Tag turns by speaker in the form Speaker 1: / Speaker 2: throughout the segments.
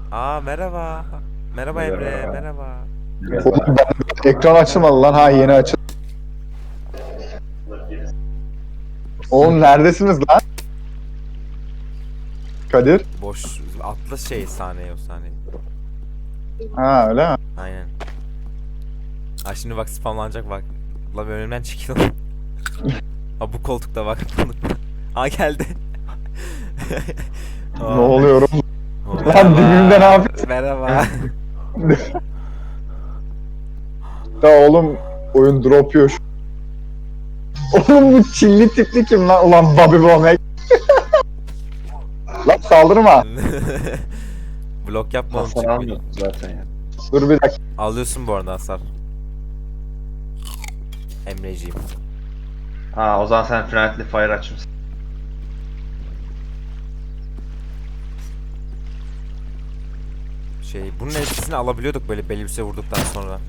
Speaker 1: Aa merhaba. Merhaba Emre,
Speaker 2: Merhaba.
Speaker 1: merhaba.
Speaker 2: Merhaba.
Speaker 3: Ekran açılmadı lan. Ha, yeni açıldı. Oğlum neredesiniz lan? Kadir.
Speaker 1: Boş atla şey sahneyi o sahneyi.
Speaker 3: Ha, öyle mi?
Speaker 1: Aynen. Aa şimdi bak spamlanacak bak. La önümden çekil. Ha bu koltukta bak. Aa geldi.
Speaker 3: Ne
Speaker 1: Aa,
Speaker 3: oluyor oğlum?
Speaker 1: merhaba.
Speaker 3: Lan dibimde ne yapıyorsun?
Speaker 1: Merhaba.
Speaker 3: Ya oğlum, oyun drop yiyor şu. Oğlum bu çilli tipli kim lan? Ulan Bobby Womack. Lan saldırma.
Speaker 1: Blok yapma oğlum
Speaker 2: Hasar
Speaker 1: çık bir.
Speaker 2: almıyorsun zaten ya.
Speaker 3: Dur bir dakika.
Speaker 1: Alıyorsun bu arada hasar. Emreciğim.
Speaker 2: Ha, o zaman sen Friendly Fire açmışsın.
Speaker 1: Bunun etkisini alabiliyorduk böyle belli bir süre vurduktan sonra.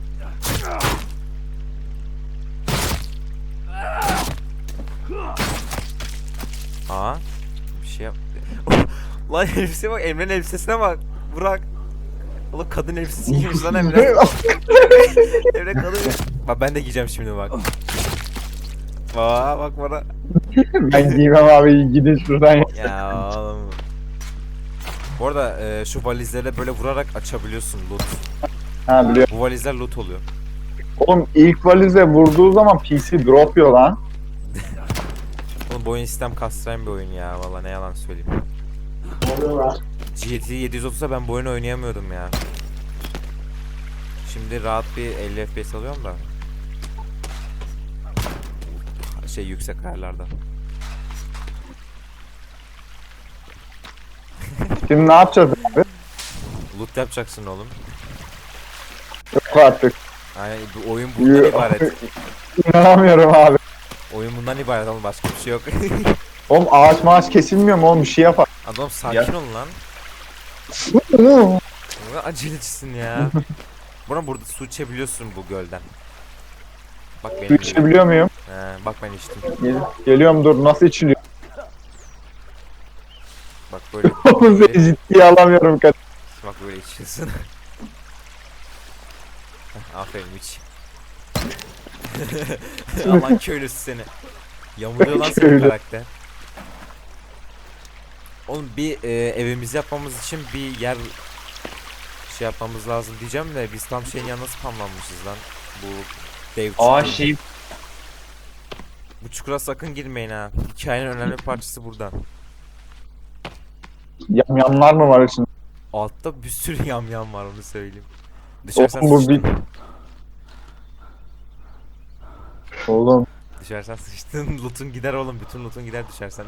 Speaker 1: Aa, bir şey yap. Lan elbiseye bak, Emre'nin elbisesine bak. Burak. Oğlum kadın elbisesi giymiş lan Emre. Emre kadın. Bak ben de giyeceğim şimdi bak. Bak bana.
Speaker 3: Ben giymem abi, gidin şuradan ya.
Speaker 1: Ya oğlum. Bu arada şu valizlere böyle vurarak açabiliyorsun loot.
Speaker 3: Ha, biliyorum.
Speaker 1: Bu valizler loot oluyor.
Speaker 3: Oğlum ilk valize vurduğu zaman PC drop yiyor lan.
Speaker 1: Oğlum bu oyun sistem kastıran bir oyun ya. Valla ne yalan söyleyeyim. GT 730'da ben bu oyunu oynayamıyordum ya. Şimdi rahat bir 50 FPS alıyorum da. Yüksek ayarlarda.
Speaker 3: Şimdi ne yapacağız abi?
Speaker 1: Loot yapacaksın oğlum.
Speaker 3: Yok artık.
Speaker 1: Yani bu oyun bundan ibaret.
Speaker 3: İnanamıyorum abi.
Speaker 1: Oyun bundan ibaret oğlum başka bir şey yok.
Speaker 3: Oğlum ağaç maaş kesilmiyor mu oğlum, bir şey yapar.
Speaker 1: Adam sakin
Speaker 2: Ya.
Speaker 1: ol lan. Ne kadar acelecisin ya. Burada su içebiliyorsun bu gölden. Bak
Speaker 3: Su
Speaker 1: benim gibi.
Speaker 3: içebiliyor muyum?
Speaker 1: Bak ben içtim.
Speaker 3: Geliyorum, dur, nasıl içiliyor?
Speaker 1: Bak böyle.
Speaker 3: Oğlum seni ciddiye alamıyorum Kadir.
Speaker 1: Bak böyle içiyorsun. Aferin iç. Aman köylüsü seni. Yamuluyor lan senin
Speaker 3: Köylü.
Speaker 1: karakter. Oğlum bir evimizi yapmamız için bir yer yapmamız lazım diyeceğim de biz tam şeyin yanına spamlanmışız lan. Bu dev
Speaker 2: Aa
Speaker 1: çukur.
Speaker 2: şey,
Speaker 1: Bu çukura sakın girmeyin ha. Hikayenin önemli parçası burada.
Speaker 3: Yamyamlar mı var içinde?
Speaker 1: Altta bir sürü yamyam var onu söyleyeyim. Düşersen
Speaker 3: Oğlum bu
Speaker 1: sıçtın.
Speaker 3: Oğlum
Speaker 1: Düşersen sıçtın. Loot'un gider oğlum. Bütün loot'un gider düşersen.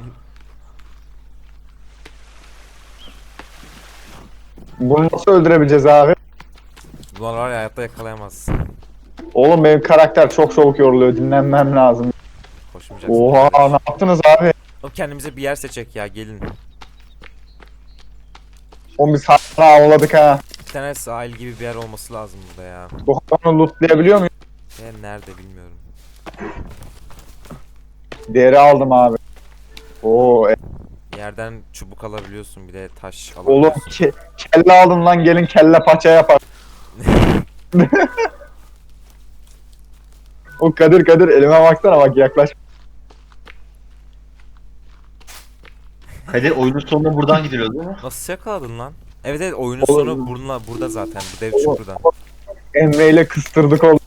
Speaker 3: bunu nasıl öldürebileceğiz abi?
Speaker 1: Bunlar var ya hayatta yakalayamazsın.
Speaker 3: Oğlum benim karakter çok çabuk yoruluyor, dinlenmem lazım.
Speaker 1: Koşmayacaksın.
Speaker 3: Oha, ne yaptınız abi?
Speaker 1: Oğlum kendimize bir yer seçecek ya gelin.
Speaker 3: Oğlum biz hala avladık ha.
Speaker 1: Bir tane sahil gibi bir yer olması lazım burada ya.
Speaker 3: Bu hayvanı lootlayabiliyor muyum?
Speaker 1: Nerede bilmiyorum.
Speaker 3: Deri aldım abi. Oo,
Speaker 1: Yerden çubuk alabiliyorsun bir de taş
Speaker 3: oğlum
Speaker 1: alabiliyorsun.
Speaker 3: kelle aldım lan, gelin kelle paça yapar. O Kadir elime baksana, bak yaklaş.
Speaker 2: Kadir oyunun sonunda buradan gidiliyor değil mi?
Speaker 1: Nasıl yakaladın lan? Evet evet oyunun
Speaker 3: Oğlum.
Speaker 1: sonu burada zaten bu dev
Speaker 3: Oğlum.
Speaker 1: çukurdan.
Speaker 3: Emre ile kıstırdık oğlum.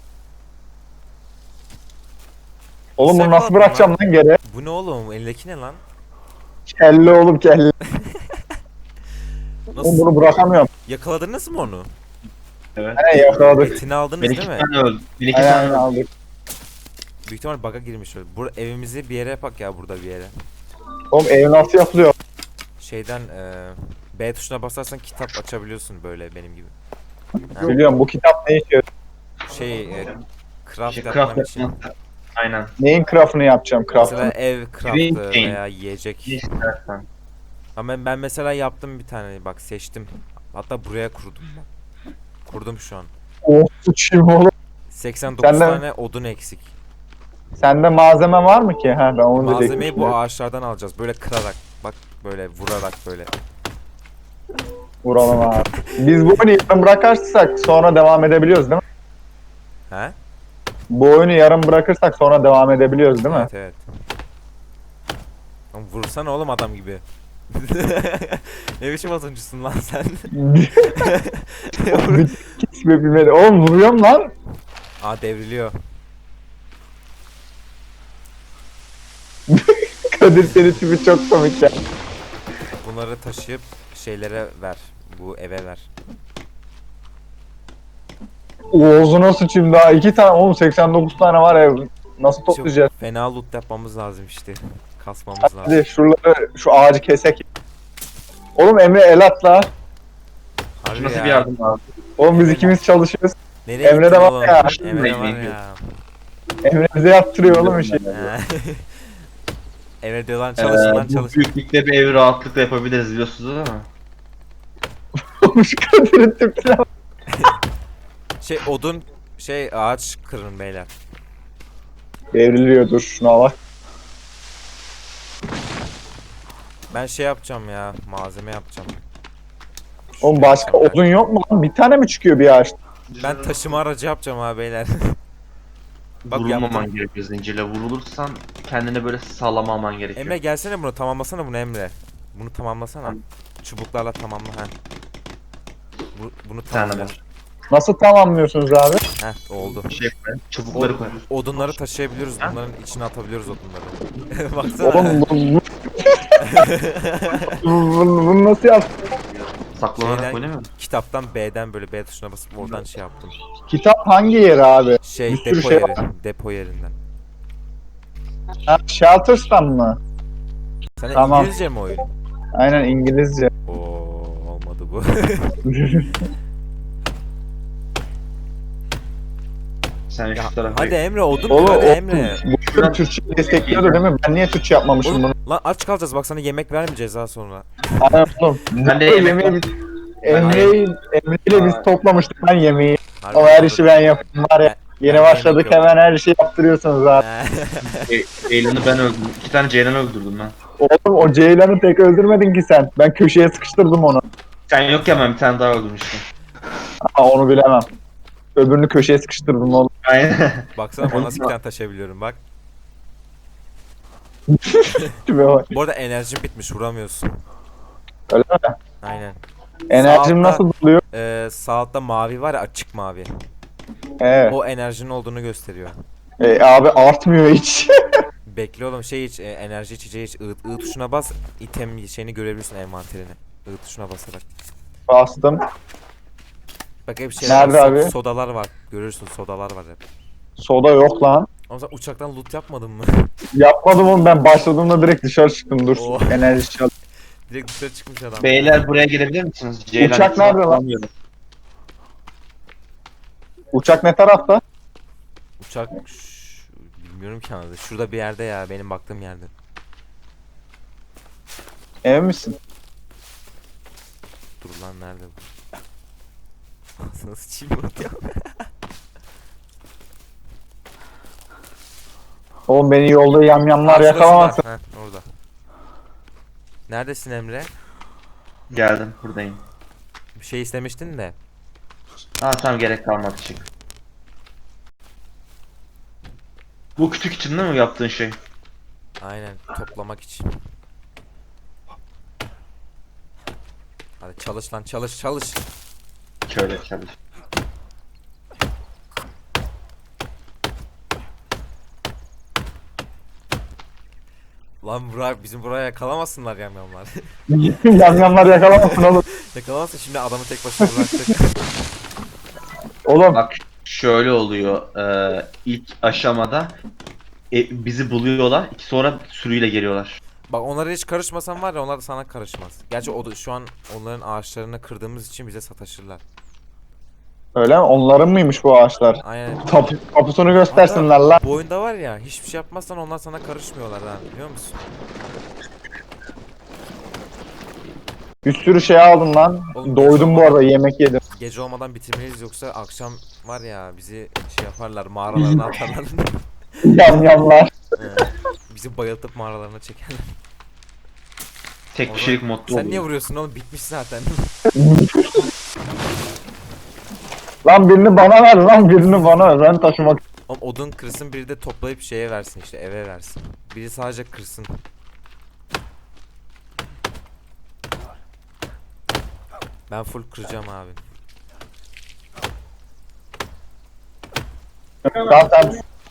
Speaker 3: Oğlum bunu
Speaker 1: Sen
Speaker 3: nasıl
Speaker 1: aldın
Speaker 3: bırakacağım lan geri?
Speaker 1: Bu ne oğlum elindeki ne lan?
Speaker 3: Kelle oğlum, kelle. Oğlum
Speaker 1: Nasıl?
Speaker 3: bunu bırakamıyorum.
Speaker 1: Yakaladınız mı onu?
Speaker 2: Evet.
Speaker 3: He, yakaladık.
Speaker 1: Etini aldınız
Speaker 2: Ben
Speaker 1: değil
Speaker 2: iki
Speaker 1: mi?
Speaker 2: tane öldüm. Ben iki
Speaker 3: Aynen
Speaker 2: tane
Speaker 3: aynen,
Speaker 2: öldüm.
Speaker 3: aldık.
Speaker 1: Büyük ihtimal bug'a girmiş öyle. Evimizi bir yere yapak ya burada bir yere.
Speaker 3: Oğlum ev nasıl yapılıyor?
Speaker 1: Şeyden B tuşuna basarsan kitap açabiliyorsun böyle benim gibi. Ha,
Speaker 3: Biliyorum, bu kitap ne işe?
Speaker 1: craft
Speaker 2: Şey,
Speaker 1: yapman
Speaker 2: craft
Speaker 1: için.
Speaker 2: yapmak. Aynen.
Speaker 3: Neyin craft'ını yapacağım,
Speaker 1: Mesela
Speaker 3: craft'ını?
Speaker 1: ev craftı
Speaker 2: Green
Speaker 1: veya yiyecek.
Speaker 2: Ne istersen.
Speaker 1: Ama ben mesela yaptım bir tane bak seçtim. Hatta buraya kurdum ben. Kurdum şu an.
Speaker 3: Oh uçayım oğlum.
Speaker 1: 89
Speaker 3: Senden-
Speaker 1: tane odun eksik.
Speaker 3: Sende malzeme var mı ki? Ha, ben onu
Speaker 1: Malzemeyi bu
Speaker 3: diyecektim.
Speaker 1: ağaçlardan alacağız. Böyle kırarak. Bak böyle vurarak böyle.
Speaker 3: Vuralım abi. Biz bu oyunu yarım bırakırsak sonra devam edebiliyoruz değil mi?
Speaker 1: He?
Speaker 3: Bu oyunu yarım bırakırsak sonra devam edebiliyoruz değil mi?
Speaker 1: Evet evet. Oğlum vursana oğlum adam gibi. Ne biçim atımcısın lan sen?
Speaker 3: Bir kesme bilmedi. Oğlum vuruyorum lan.
Speaker 1: Aa devriliyor.
Speaker 3: Kadir senin tipi çok komik ya.
Speaker 1: Bunları taşıyıp şeylere ver. Bu eve ver.
Speaker 3: Oğuz'una sıçayım daha 2 tane oğlum 89 tane var ev. Nasıl toplayacağız?
Speaker 1: Çok fena loot yapmamız lazım işte. Kasmamız lazım.
Speaker 3: Hadi şuraları şu ağacı kesek. Oğlum Emre el atla.
Speaker 1: Harbi
Speaker 2: Nasıl
Speaker 1: ya.
Speaker 2: bir yardım abi?
Speaker 3: Oğlum biz ikimiz çalışıyoruz.
Speaker 1: Nereye
Speaker 3: Emre de
Speaker 1: gittin
Speaker 3: var
Speaker 1: oğlum?
Speaker 3: ya.
Speaker 1: Emre de var
Speaker 2: Emre
Speaker 1: ya.
Speaker 3: Emre bize yaptırıyor oğlum işi.
Speaker 1: He. Emre diyor lan çalışın lan
Speaker 2: Bu
Speaker 1: çalışın.
Speaker 2: büyüklükte bir evi rahatlıkla yapabiliriz biliyorsunuz değil mi?
Speaker 3: Olmuş Kadir'in tipine bak.
Speaker 1: Şey odun ağaç kırın beyler.
Speaker 3: Devriliyor dur şuna bak.
Speaker 1: Ben şey yapacağım ya. Malzeme yapacağım.
Speaker 3: Oğlum başka odun yok mu lan? Bir tane mi çıkıyor bir ağaçta?
Speaker 1: Ben taşıma aracı yapacağım ha beyler. Bak
Speaker 2: Vurulmaman
Speaker 1: yaptım.
Speaker 2: gerekiyor zincirle. Vurulursan kendine böyle sallamaman gerekiyor.
Speaker 1: Emre gelsene bunu tamamlasana bunu Emre. Bunu tamamlasana. Çubuklarla tamamla ha. Bunu
Speaker 2: Bir tane
Speaker 1: tamamla.
Speaker 2: var.
Speaker 3: Nasıl tamamlıyorsunuz abi?
Speaker 1: Heh oldu.
Speaker 2: Şey koy. Çubukları koy.
Speaker 1: Odunları taşıyabiliyoruz. Bunların içine atabiliyoruz odunları. Baksana.
Speaker 3: Oğlum bunu nasıl yaptın?
Speaker 2: Saklanarak
Speaker 1: Şeyden-
Speaker 2: oynamıyor musun?
Speaker 1: Kitaptan B'den böyle B tuşuna basıp oradan şey yaptım.
Speaker 3: Kitap hangi yeri abi?
Speaker 1: Şey
Speaker 3: Bir sürü
Speaker 1: depo
Speaker 3: şey
Speaker 1: yeri.
Speaker 3: var.
Speaker 1: Depo yerinden.
Speaker 3: Ha, Shelters'tan mı?
Speaker 1: Sen
Speaker 3: Tamam.
Speaker 1: İngilizce mi oyun?
Speaker 3: Aynen İngilizce.
Speaker 1: Oo olmadı bu.
Speaker 2: Sen
Speaker 1: Ya,
Speaker 2: şu tarafa
Speaker 1: hadi Emre odun
Speaker 3: Oğlum,
Speaker 1: kır hadi
Speaker 3: oğlum,
Speaker 1: Emre.
Speaker 3: bu oyun Türkçe destekliyordu değil mi? Ben niye Türkçe yapmamışım
Speaker 1: Oğlum,
Speaker 3: bunu?
Speaker 1: lan aç kalacağız bak sana yemek vermeyeceğiz daha sonra.
Speaker 3: Aynen oğlum.
Speaker 2: Ben de
Speaker 3: Bu
Speaker 2: yemek
Speaker 3: yemeği
Speaker 2: yok.
Speaker 3: biz- Emre'yle biz toplamıştık ben yemeği.
Speaker 1: Harbi
Speaker 3: O her
Speaker 1: doğru.
Speaker 3: işi ben yapayım var ya.
Speaker 1: Ben
Speaker 3: Yeni
Speaker 1: de
Speaker 3: başladık
Speaker 1: yemek yok.
Speaker 3: hemen her şeyi yaptırıyorsunuz abi.
Speaker 2: Ceylan'ı ben öldürdüm. 2 tane Ceylan'ı öldürdüm ben.
Speaker 3: Oğlum o Ceylan'ı tek öldürmedin ki sen. Ben köşeye sıkıştırdım onu.
Speaker 2: Sen yokken ben bir tane daha öldürmüştüm.
Speaker 3: Ha onu bilemem. Öbürünü köşeye sıkıştırdım oğlum.
Speaker 2: Aynen.
Speaker 1: Baksana bana nasıl bir tane taşıyabiliyorum bak.
Speaker 3: Tipe bak.
Speaker 1: Bu arada enerjim bitmiş vuramıyorsun.
Speaker 3: Öyle mi?
Speaker 1: Aynen.
Speaker 3: Enerjim
Speaker 1: Sağ altta-
Speaker 3: nasıl doluyor?
Speaker 1: Sağ altta mavi var ya açık mavi.
Speaker 3: Evet.
Speaker 1: O enerjinin olduğunu gösteriyor.
Speaker 3: Abi artmıyor hiç.
Speaker 1: Bekle oğlum şey iç enerji içeceği iç. I tuşuna bas item şeyini görebilirsin envanterini. I tuşuna basarak.
Speaker 3: Bastım.
Speaker 1: Bak hep şeyler
Speaker 3: Nerede
Speaker 1: var,
Speaker 3: abi?
Speaker 1: sodalar var. Görürsün sodalar var hep.
Speaker 3: Soda yok lan.
Speaker 1: Ama sen uçaktan loot yapmadın mı?
Speaker 3: Yapmadım onu ben başladığımda direkt dışarı çıktım dur.
Speaker 1: Oh.
Speaker 3: Enerji çal.
Speaker 1: Direkt dışarı çıkmış adam.
Speaker 2: Beyler buraya gelebilir misiniz? Ceylan
Speaker 3: Uçak
Speaker 2: etrafı
Speaker 3: nerede lan?
Speaker 2: bulamıyorum.
Speaker 3: Uçak ne tarafta?
Speaker 1: Uçak bilmiyorum ki anladı. Şurada bir yerde ya benim baktığım yerde.
Speaker 3: Emin misin?
Speaker 1: Dur lan nerede bu? Nasıl çiğ loot ya?
Speaker 3: Oğlum beni yolda yamyamlar
Speaker 1: Aa, şurada,
Speaker 3: yakalamasın.
Speaker 1: şurada. Heh, orada. Neredesin Emre?
Speaker 2: Geldim buradayım.
Speaker 1: Bir şey istemiştin de.
Speaker 2: Ha tamam gerek kalmadı çık. Bu kütük için değil mi yaptığın şey?
Speaker 1: Aynen toplamak için. Hadi çalış lan çalış çalış.
Speaker 2: Şöyle çalış.
Speaker 1: Lan Burak bizim buraya yakalamasınlar yamyamlar.
Speaker 3: Yamyamlar yakalamasın oğlum.
Speaker 1: Yakalamasın şimdi adamı tek başına bıraktık.
Speaker 3: Oğlum
Speaker 2: Bak şöyle oluyor. İlk aşamada bizi buluyorlar. Sonra sürüyle geliyorlar.
Speaker 1: Bak onlara hiç karışmasan var ya onlar da sana karışmaz. Gerçi o da şu an onların ağaçlarını kırdığımız için bize sataşırlar.
Speaker 3: öyle mi? Onların mıymış bu ağaçlar?
Speaker 1: Aynen.
Speaker 3: Kapısını göstersinler lan.
Speaker 1: Bu oyunda var ya hiçbir şey yapmazsan onlar sana karışmıyorlar ha biliyor musun?
Speaker 3: Bir sürü şey aldım lan.
Speaker 1: Oğlum,
Speaker 3: Doydum bu arada yemek yedim.
Speaker 1: Gece olmadan bitirmeliyiz yoksa akşam var ya bizi şey yaparlar mağaralarına atarlar.
Speaker 3: Yamyamlar.
Speaker 1: Bizi bayıltıp mağaralarına çekerler.
Speaker 2: Tek
Speaker 1: O
Speaker 2: kişilik
Speaker 1: zaman-
Speaker 2: modda
Speaker 1: Sen niye
Speaker 2: oluyor.
Speaker 1: vuruyorsun oğlum? Bitmiş zaten.
Speaker 3: Lan birini bana ver lan, birini bana ver. Ben taşımak.
Speaker 1: Oğlum odun kırsın, biri de toplayıp şeye versin, işte eve versin. Biri sadece kırsın. Ben full kıracağım abi.
Speaker 3: Tamam tamam.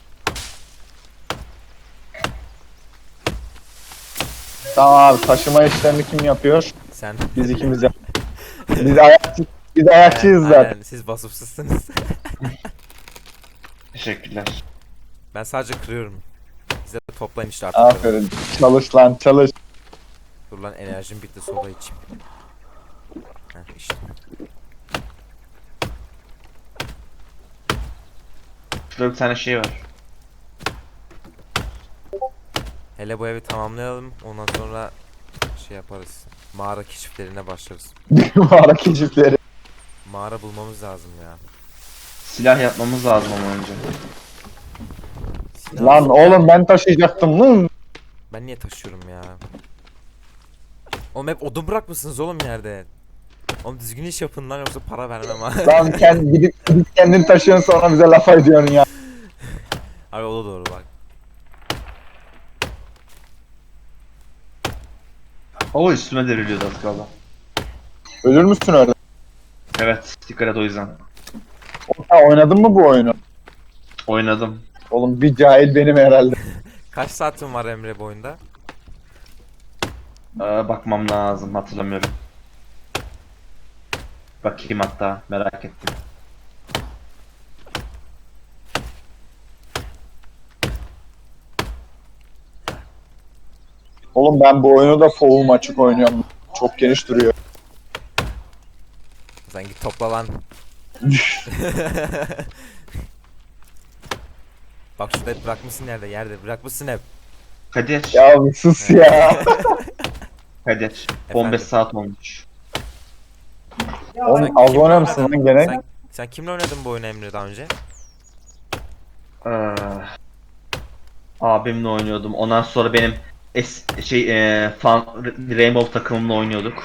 Speaker 3: Tamam abi, taşıma işlerini kim yapıyor?
Speaker 1: Sen.
Speaker 3: Biz ikimiz yap. Biz ayakçıyız
Speaker 1: Aynen,
Speaker 3: zaten.
Speaker 1: aynen. Siz vasıfsızsınız.
Speaker 2: Teşekkürler.
Speaker 1: Ben sadece kırıyorum. Size de toplayın işte artık.
Speaker 3: Aferin. Çalış lan çalış.
Speaker 1: Dur lan, enerjim bitti, soda içeyim. Heh işte.
Speaker 2: Şurada bir tane şey var.
Speaker 1: Hele bu evi tamamlayalım, ondan sonra şey yaparız. Mağara keşiflerine başlarız.
Speaker 3: Mağara keşifleri.
Speaker 1: Mağara bulmamız lazım ya.
Speaker 2: Silah yapmamız lazım ama önce.
Speaker 3: Lan oğlum ben taşıyacaktım lan.
Speaker 1: Ben niye taşıyorum ya? Oğlum hep odun bırakmışsınız oğlum yerde. Oğlum düzgün iş yapın lan, yoksa para vermem ha.
Speaker 3: Lan gidip kendin taşıyorsun, sonra bize laf ediyorsun ya.
Speaker 1: Abi o da doğru bak.
Speaker 2: O üstüme devriliyordu az kaldı.
Speaker 3: Ölür müsün öyle?
Speaker 2: Evet, dikkat et o yüzden.
Speaker 3: Ha, oynadın mı bu oyunu?
Speaker 2: Oynadım.
Speaker 3: Oğlum bir cahil benim herhalde.
Speaker 1: Kaç saatin var Emre bu oyunda?
Speaker 2: Bakmam lazım, hatırlamıyorum. Bakayım hatta, merak ettim.
Speaker 3: Oğlum ben bu oyunu da full açık oynuyorum. Çok geniş duruyor.
Speaker 1: Sen git topla lan. Bak şurada hep bırakmışsın, yerde bırakmışsın hep.
Speaker 2: Kadir,
Speaker 3: Ya bir sus ya.
Speaker 2: Kadir. 15 saat olmuş.
Speaker 3: Oğlum az oynar mısın lan gene?
Speaker 1: Sen kimle oynadın bu oyunu Emre daha önce?
Speaker 2: Ee, abimle oynuyordum. Ondan sonra benim Rainbow takımımla oynuyorduk.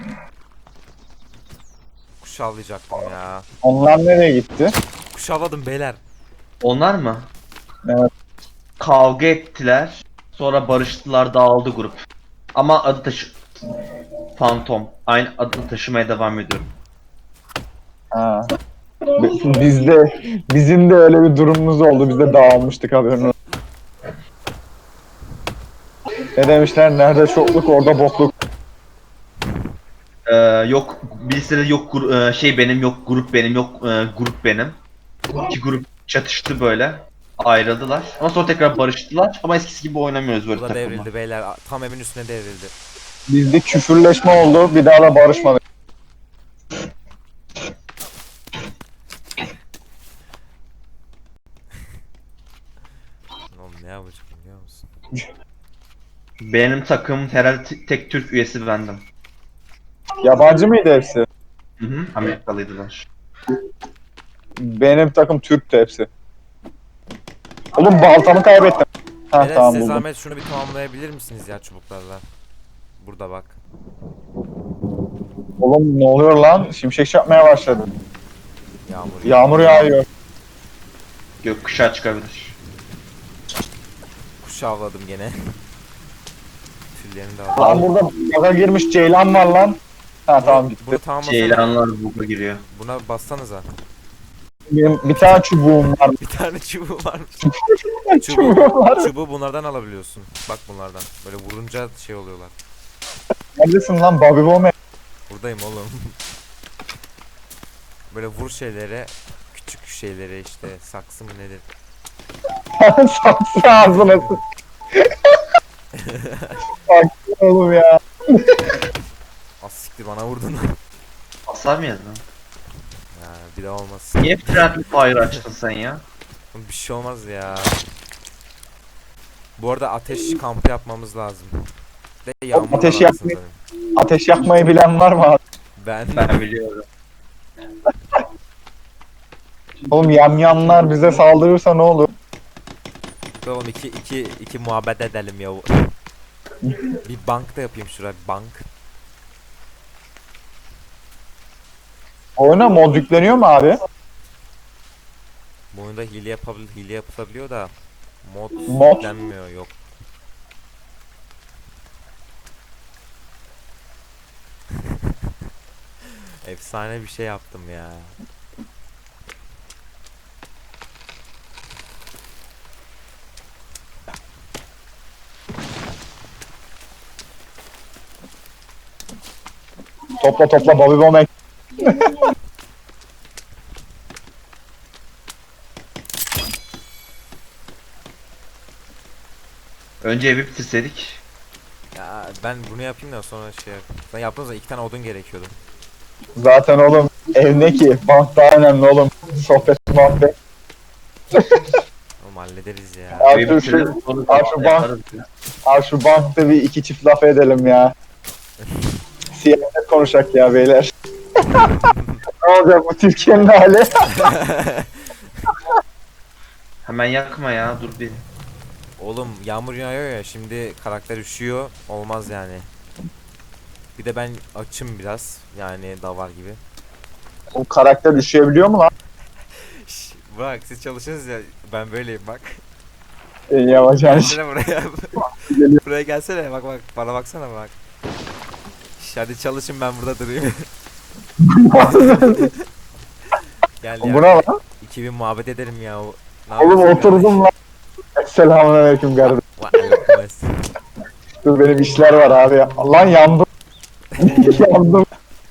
Speaker 1: Kuş avlayacaktım ya.
Speaker 3: Onlar nereye gitti?
Speaker 1: Kuş avladım beyler.
Speaker 2: Onlar mı?
Speaker 3: Evet.
Speaker 2: Kavga ettiler. Sonra barıştılar, dağıldı grup. Ama Phantom. Aynı adını taşımaya devam ediyorum.
Speaker 3: Ha. Bizim de öyle bir durumumuz oldu. Biz de dağılmıştık, haberin olsun. Ne demişler? Nerede çokluk orada bokluk.
Speaker 2: Yok birisi de yok benim, yok grup benim, yok grup benim. İki grup çatıştı böyle. Ayrıldılar. Ama sonra tekrar barıştılar. Ama eskisi gibi oynamıyoruz böyle
Speaker 1: Bu da
Speaker 2: takımla.
Speaker 1: devrildi beyler. Tam evin üstüne devrildi.
Speaker 3: Bizde küfürleşme oldu. Bir daha da barışmadık.
Speaker 1: Oğlum ne yapacağım biliyor musun?
Speaker 2: Benim takım herhalde tek Türk üyesi bendim.
Speaker 3: Yabancı mıydı hepsi?
Speaker 2: Hı hı. Amerikalıydılar.
Speaker 3: Benim takım Türk'tü hepsi. Oğlum baltamı kaybettim. Ha
Speaker 1: Beyler
Speaker 3: tamam
Speaker 1: size
Speaker 3: buldum.
Speaker 1: zahmet şunu bir tamamlayabilir misiniz ya çubuklarla? Burada bak.
Speaker 3: Oğlum ne oluyor lan? Şimşek çakmaya başladı.
Speaker 1: Yağmur.
Speaker 3: Yağmur yağıyor.
Speaker 2: Gökkuşağı çıkabilir.
Speaker 1: Kuş avladım gene. Tüllerini de aldım.
Speaker 3: Lan burada baga girmiş ceylan var lan. Ha tamam gitti.
Speaker 1: Bunu tamamlasana.
Speaker 2: Ceylanlar buga giriyor.
Speaker 1: Buna bassanıza.
Speaker 3: Benim bir tane çubuğum var.
Speaker 1: Bir tane çubuğu varmış.
Speaker 3: Çubuğum var.
Speaker 1: Çubuğu bunlardan alabiliyorsun. Bak bunlardan. Böyle vurunca şey oluyorlar.
Speaker 3: Neredesin lan Bobby Bowman?
Speaker 1: Buradayım oğlum. Böyle vur şeylere, küçük şeylere işte, saksı mı nedir?
Speaker 3: Saksı ağzına sık. Saksı oğlum ya.
Speaker 1: Az siktir bana vurdun.
Speaker 2: Hasar mı yazdın?
Speaker 1: Ya bir daha olmaz.
Speaker 2: Niye Friendly Fire açtın sen ya?
Speaker 1: Bir şey olmaz ya. Bu arada ateş kampı yapmamız lazım. De yağmur
Speaker 3: Ateş
Speaker 1: var anasını
Speaker 3: yakmayı-
Speaker 1: satayım.
Speaker 3: Ateş yakmayı bilen var mı abi?
Speaker 1: Ben
Speaker 2: Ben biliyorum.
Speaker 3: Oğlum yamyamlar bize saldırırsa ne olur?
Speaker 1: oğlum iki muhabbet edelim ya. Bir bank da yapayım şuraya, bir bank.
Speaker 3: Oyuna mod yükleniyor mu abi?
Speaker 1: Bu oyunda hile yapılabiliyor da mod
Speaker 3: Mod?
Speaker 1: yüklenmiyor, yok. Efsane bir şey yaptım ya.
Speaker 3: Topla topla Bobby Bomb.
Speaker 2: Önce evi bitirseydik.
Speaker 1: Ya ben bunu yapayım da sonra şey yap. Ben yaptığım zaman 2 tane odun gerekiyordu.
Speaker 3: Zaten oğlum ev ne ki? Bank daha önemli oğlum. Sohbet muhabbet.
Speaker 1: Oğlum hallederiz ya.
Speaker 3: Abi
Speaker 2: Evi
Speaker 3: şu-
Speaker 2: bitirelim, sonra
Speaker 3: abi şu
Speaker 2: yaparız.
Speaker 3: Abi şu bankta bir iki çift laf edelim ya. Siyaset konuşak ya beyler. Ne olacak bu Türkiye'nin hali?
Speaker 2: Hemen yakma ya, dur bir.
Speaker 1: Oğlum yağmur yağıyor ya, şimdi karakter üşüyor, olmaz yani. Bir de ben açım biraz, yani davar gibi.
Speaker 3: O karakter üşüyebiliyor mu lan?
Speaker 1: Şş, bak siz çalışıyorsunuz ya, ben böyleyim bak.
Speaker 3: Yavaş yavaş.
Speaker 1: Gelsene buraya. Buraya gelsene, bak bak bana baksana bak. Şş, hadi çalışın, ben burada durayım. Gel ya.
Speaker 3: Bu ne lan?
Speaker 1: 2000 muhabbet edelim ya. Ne
Speaker 3: Oğlum
Speaker 1: yapıyorsun
Speaker 3: oturdum lan. Selamünaleyküm kardeşim.
Speaker 1: kardeşim? Vay, aleyküm.
Speaker 3: Dur benim işler var abi. Lan yandım. Yandım.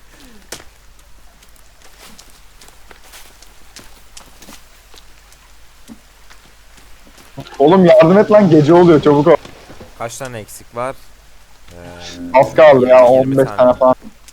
Speaker 3: Oğlum yardım et lan, gece oluyor, çabuk ol.
Speaker 1: Kaç tane eksik var?
Speaker 3: Az kaldı ya,
Speaker 1: 20
Speaker 3: 15 tane falan.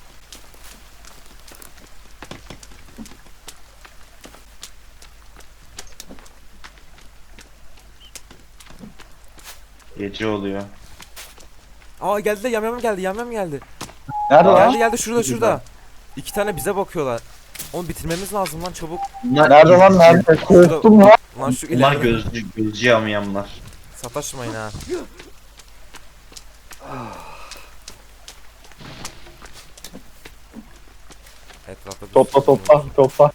Speaker 2: Gece oluyor.
Speaker 1: Aa geldi de yamyam geldi, yamyam geldi.
Speaker 3: Nerede lan?
Speaker 1: Geldi geldi, şurada şurada. 2 tane bize bakıyorlar. Onu bitirmemiz lazım lan, çabuk.
Speaker 2: Bunlar
Speaker 3: Nerede lan,
Speaker 2: izci.
Speaker 3: nerede? Korktum lan.
Speaker 1: Lan şu
Speaker 2: Bunlar
Speaker 1: ileride.
Speaker 2: gözcü yamyamlar.
Speaker 1: Sataşmayın ha. Etrafta
Speaker 3: Topla topla topla.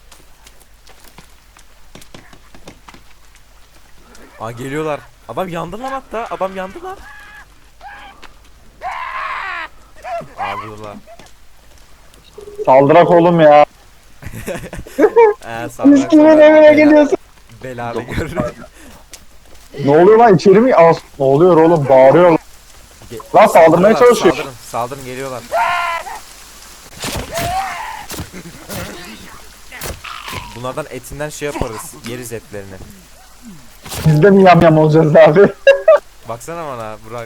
Speaker 1: Aa geliyorlar. Adam yandı lan hatta. Adam yandı lan. Aa vurdular.
Speaker 3: Saldırak oğlum ya. Biz kimin evine geliyorsun?
Speaker 1: Belalı görür.
Speaker 3: Ne oluyor lan, içeri mi? Aa, ne oluyor oğlum, bağırıyor. Lan saldırmaya çalışıyor.
Speaker 1: Saldırın, saldırın, geliyorlar. Bunlardan etinden şey yaparız. Yeriz etlerini.
Speaker 3: Biz de mi yam olacağız abi?
Speaker 1: Baksana bana Burak.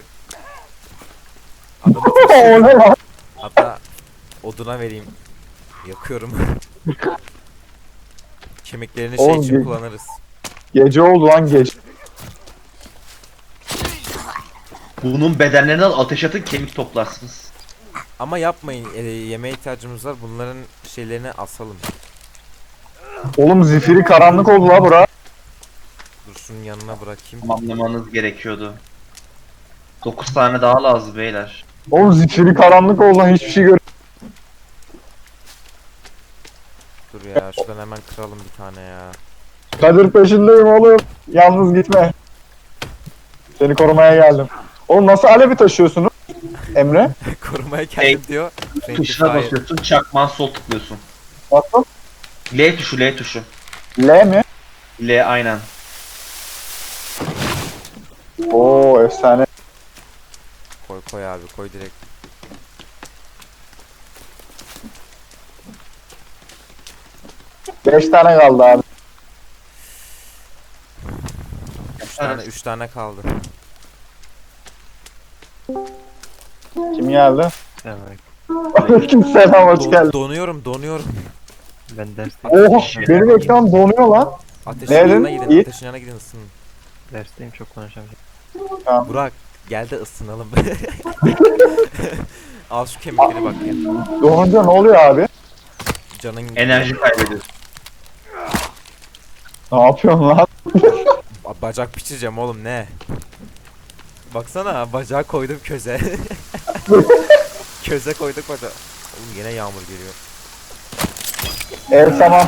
Speaker 3: O ne lan?
Speaker 1: Hatta oduna vereyim. Yakıyorum. Kemiklerini şey
Speaker 3: Oğlum,
Speaker 1: için kullanırız.
Speaker 3: Gece oldu lan, geç.
Speaker 2: Bunun bedenlerini al, ateş atın, kemik toplarsınız.
Speaker 1: Ama yapmayın. Yemeğe ihtiyacımız var. Bunların şeylerini asalım.
Speaker 3: Oğlum zifiri karanlık oldu la bura.
Speaker 1: Dur şunun yanına bırakayım.
Speaker 2: Tamamlamanız gerekiyordu. 9 tane daha lazım beyler.
Speaker 3: Oğlum zifiri karanlık oldu lan, hiçbir şey gör.
Speaker 1: Dur ya, şuradan hemen kıralım bir tane ya.
Speaker 3: Kadir peşindeyim oğlum. Yalnız gitme. Seni korumaya geldim. Oğlum nasıl alevi taşıyorsunuz? Emre?
Speaker 1: Korumaya geldim
Speaker 2: Hey,
Speaker 1: diyor.
Speaker 2: Tuşuna
Speaker 1: Fire.
Speaker 2: basıyorsun, çakman sol tıklıyorsun.
Speaker 3: Nasıl?
Speaker 2: L tuşu, L tuşu.
Speaker 3: L mi?
Speaker 2: L aynen.
Speaker 3: Oo efsane.
Speaker 1: Koy koy abi, koy direkt.
Speaker 3: Beş tane kaldı abi.
Speaker 1: 3 tane kaldı.
Speaker 3: Kim geldi?
Speaker 4: Evet.
Speaker 3: Aleykümselam, hoş geldin.
Speaker 1: Donuyorum.
Speaker 4: Ben derste
Speaker 3: Oh, benim ekran donuyor lan.
Speaker 1: Ateşin
Speaker 3: Nereden?
Speaker 1: yanına gidin,
Speaker 3: Yiğit?
Speaker 1: ateşin yanına gidin, ısının.
Speaker 4: dersteyim, çok konuşamayacağım.
Speaker 1: Burak gel de ısınalım. Al şu kemikleri bak ya.
Speaker 3: Donunca ne oluyor abi?
Speaker 1: Canın
Speaker 2: Enerji kaybediyorsun.
Speaker 3: Ne yapıyorsun lan?
Speaker 1: Bacak pişireceğim oğlum, ne? Baksana bacağı koydum köze. Köze koyduk bacağı. Oğlum yine yağmur geliyor.
Speaker 3: Ev tamam.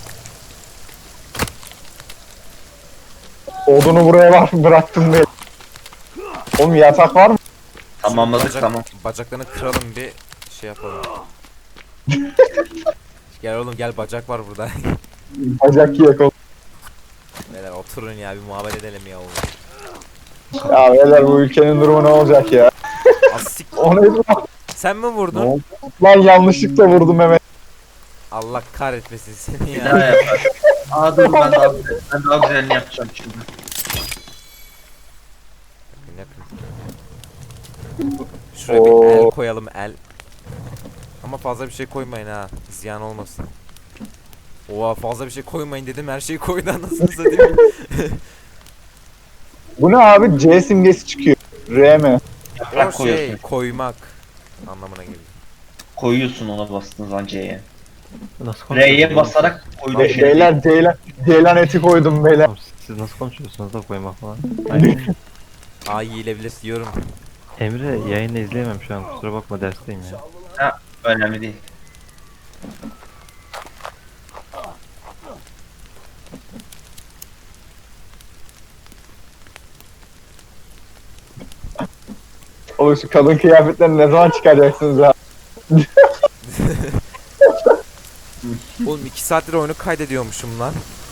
Speaker 3: Odunu buraya var bıraktım be. Oğlum yatak var mı?
Speaker 2: Tamamladık
Speaker 1: Bacak-
Speaker 2: tamam.
Speaker 1: Bacaklarını kıralım bir şey yapalım. Gel oğlum gel bacak var burada.
Speaker 3: Bacak yiyek oğlum.
Speaker 1: Beyler oturun ya bir muhabbet edelim ya oğlum.
Speaker 3: Ya beyler bu ülkenin durumu ne olacak ya?
Speaker 1: Asik.
Speaker 3: O neydi lan?
Speaker 1: Sen mi
Speaker 3: Ne
Speaker 1: vurdun?
Speaker 3: oldu? Lan yanlışlıkla vurdum Mehmet.
Speaker 1: Allah kahretmesin seni
Speaker 2: Bir daha
Speaker 1: ya.
Speaker 2: yapar. Aa dur ben daha güzelini yapacağım şimdi.
Speaker 1: Ne yapayım? Şuraya bir el
Speaker 3: Oo.
Speaker 1: koyalım el. Ama fazla bir şey koymayın ha. Ziyan olmasın. Oha fazla bir şey koymayın dedim her şeyi koydu anasını satayım.
Speaker 3: Bu ne abi? C simgesi çıkıyor. R mi?
Speaker 1: O
Speaker 2: Yaprak
Speaker 1: şey
Speaker 2: koyuyorsun.
Speaker 1: koymak anlamına geliyor.
Speaker 2: Koyuyorsun ona bastığın zaman C'ye.
Speaker 4: Nasıl konuşuyorsunuz?
Speaker 2: R'ye basarak koyduğun şey.
Speaker 3: Beyler ceylan eti koydum beyler.
Speaker 4: Oğlum, siz nasıl konuşuyorsunuz da koymak falan. Aynen.
Speaker 1: Aa yiyilebilir diyorum.
Speaker 4: Emre yayını izleyemem şu an kusura bakma dersteyim ya.
Speaker 2: Önemli değil.
Speaker 3: Oğlum şu kadın kıyafetlerini ne zaman çıkaracaksınız ya?
Speaker 1: Oğlum 2 saattir oyunu kaydediyormuşum lan.